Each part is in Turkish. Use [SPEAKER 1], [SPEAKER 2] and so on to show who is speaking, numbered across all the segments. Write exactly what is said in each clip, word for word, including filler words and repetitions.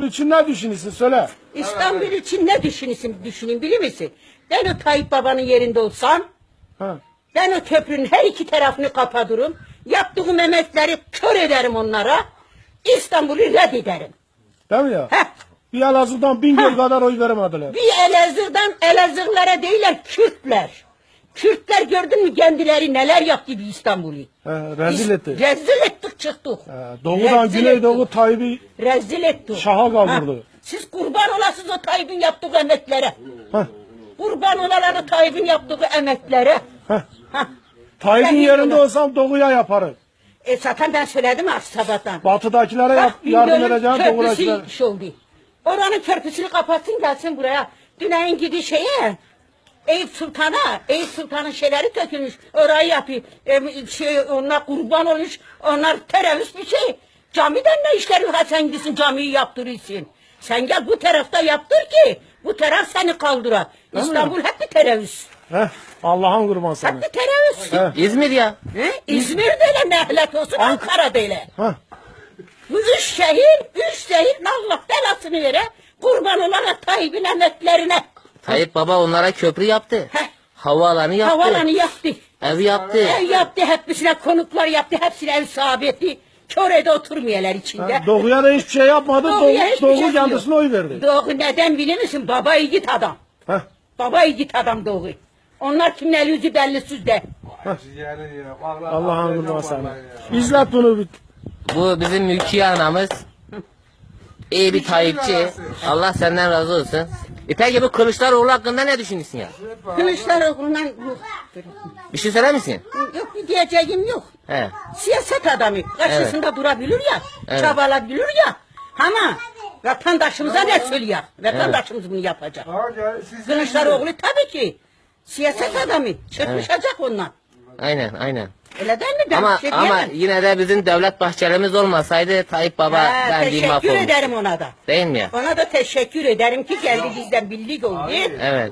[SPEAKER 1] İstanbul için ne düşünüyorsun söyle.
[SPEAKER 2] İstanbul için ne düşünüyorsun, düşünün bilir misin? Ben o Tayyip Baba'nın yerinde olsam,
[SPEAKER 1] Ha.
[SPEAKER 2] ben o köprünün her iki tarafını kapatırım, yaptığım emekleri kör ederim onlara, İstanbul'u reddederim.
[SPEAKER 1] Değil mi ya?
[SPEAKER 2] Heh.
[SPEAKER 1] Bir Elazığ'dan Bingöl kadar oy veremediler.
[SPEAKER 2] Bir Elazığ'dan Elazığlılara değiller, Kürtler. Kürtler gördün mü kendileri neler yaptı bir İstanbul'u?
[SPEAKER 1] He, rezil etti.
[SPEAKER 2] Rezil ettik çıktık.
[SPEAKER 1] He, doğudan
[SPEAKER 2] Rezil
[SPEAKER 1] Güneydoğu
[SPEAKER 2] ettik.
[SPEAKER 1] Tayyip'i
[SPEAKER 2] Rezil ettik.
[SPEAKER 1] şaha kaldırdı.
[SPEAKER 2] Ha, siz kurban olasınız o Tayyip'in yaptığı emeklere.
[SPEAKER 1] Heh.
[SPEAKER 2] Kurban olaları Tayyip'in yaptığı emeklere.
[SPEAKER 1] Heh.
[SPEAKER 2] Ha.
[SPEAKER 1] Tayyip'in
[SPEAKER 2] Sen
[SPEAKER 1] yerinde
[SPEAKER 2] onu-
[SPEAKER 1] olsam doğuya yaparım.
[SPEAKER 2] E zaten ben söyledim ha sabahtan.
[SPEAKER 1] Batıdakilere yap,
[SPEAKER 2] Bak,
[SPEAKER 1] yardım
[SPEAKER 2] Bingöl'ün
[SPEAKER 1] edeceğim doğudakilere.
[SPEAKER 2] köprüsü şey oldu. Oranın köprüsünü kapatsın gelsin buraya. Düneyin gidi şeye. Eyüp Sultan'a, Eyüp Sultan'ın şeyleri dökülmüş. Orayı yapıyor. E, şey, onlar kurban olmuş. Onlar terörist bir şey. Camiden ne işleri var sen gitsin camiyi yaptırırsın. Sen gel bu tarafta yaptır ki bu taraf seni kaldıra. İstanbul hep bir terörist.
[SPEAKER 1] Heh, Allah'ın kurban sana.
[SPEAKER 2] Hep bir terörist.
[SPEAKER 1] Heh.
[SPEAKER 3] İzmir ya.
[SPEAKER 2] He? İzmir'de de nehlet olsun, Ankara'da öyle.
[SPEAKER 1] Heh.
[SPEAKER 2] Bu üç şehir, üç şehir Allah belasını vere. Kurban olarak Tayyip'in emeklerine.
[SPEAKER 3] Tayyip Baba onlara köprü yaptı.
[SPEAKER 2] Heh.
[SPEAKER 3] Havaalanı yaptı.
[SPEAKER 2] Havalanı yaptı.
[SPEAKER 3] Ev yaptı.
[SPEAKER 2] Ev yaptı, hepsine konuklar yaptı, hepsine ev sahibi etti. Körede oturmuyorlar içinde.
[SPEAKER 1] Ha, Doğuya da hiçbir şey yapmadı. Doğu,
[SPEAKER 2] Doğuya hiçbir
[SPEAKER 1] Doğu
[SPEAKER 2] şey
[SPEAKER 1] kendisine
[SPEAKER 2] yok.
[SPEAKER 1] oy verdi.
[SPEAKER 2] Doğu neden bilir misin? Baba yiğit adam.
[SPEAKER 1] Heh.
[SPEAKER 2] Baba yiğit adam Doğu. Onlar kimin eli yüzü belli süzde.
[SPEAKER 1] Allah'ın kurban sana. İzlet bunu bir.
[SPEAKER 3] Bu bizim mülki anamız. İyi bir Tayyipçi. Allah senden razı olsun. E peki bu Kılıçdaroğlu hakkında ne düşünüyorsun ya?
[SPEAKER 2] Kılıçdaroğlu'ndan yok.
[SPEAKER 3] Bir şey söyler misin?
[SPEAKER 2] Yok bir diyeceğim yok.
[SPEAKER 3] He.
[SPEAKER 2] Siyaset adamı karşısında durabilir ya,
[SPEAKER 3] Evet.
[SPEAKER 2] çabalabilir ya. Ama vatandaşımıza ne söylüyor? Vatandaşımız bunu yapacak. Kılıçdaroğlu tabii ki siyaset adamı. Çırpışacak ondan.
[SPEAKER 3] Aynen aynen.
[SPEAKER 2] Öyle değil mi? Ben
[SPEAKER 3] Ama
[SPEAKER 2] bir şey
[SPEAKER 3] ama
[SPEAKER 2] diyemem.
[SPEAKER 3] yine de bizim Devlet Bahçeli'miz olmasaydı Tayyip Baba
[SPEAKER 2] Ha,
[SPEAKER 3] verdiği
[SPEAKER 2] teşekkür
[SPEAKER 3] mahvolmuş.
[SPEAKER 2] ederim ona da.
[SPEAKER 3] Değil mi ya?
[SPEAKER 2] Ona da teşekkür ederim ki geldi bizden birlik oldu.
[SPEAKER 3] Evet.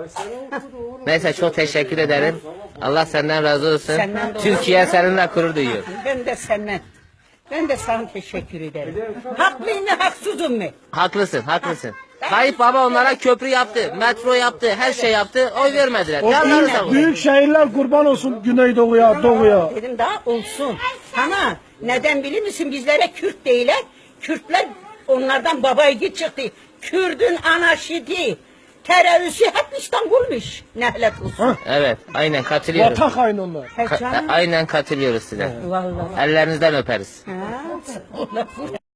[SPEAKER 3] Neyse çok teşekkür ederim. Allah senden razı olsun.
[SPEAKER 2] Senden de
[SPEAKER 3] Türkiye seninle gurur duyuyor.
[SPEAKER 2] Ben de senden. Ben de sana teşekkür ederim. Haklıyım mı haksızım mı?
[SPEAKER 3] Haklısın, haklısın. Tayyip Baba onlara köprü yaptı, metro yaptı, her şey yaptı. Oy vermediler.
[SPEAKER 1] O
[SPEAKER 3] Yanları
[SPEAKER 1] büyük,
[SPEAKER 3] sağ olsun.
[SPEAKER 1] büyük şehirler kurban olsun Güneydoğu'ya, Doğu'ya.
[SPEAKER 2] Dedim daha olsun. Ama neden bilir misin bizlere Kürt değiller. Kürtler onlardan baba yiğit çıktı. Kürdün anarşidi, terörisi hep İstanbul'muş. Nehlet olsun.
[SPEAKER 3] Evet, aynen katılıyorum.
[SPEAKER 1] Vatan haini onlar.
[SPEAKER 2] He
[SPEAKER 3] Ka-
[SPEAKER 2] canım.
[SPEAKER 3] aynen katılıyoruz size.
[SPEAKER 2] Vallahi.
[SPEAKER 3] Ellerinizden öperiz.
[SPEAKER 2] Ha,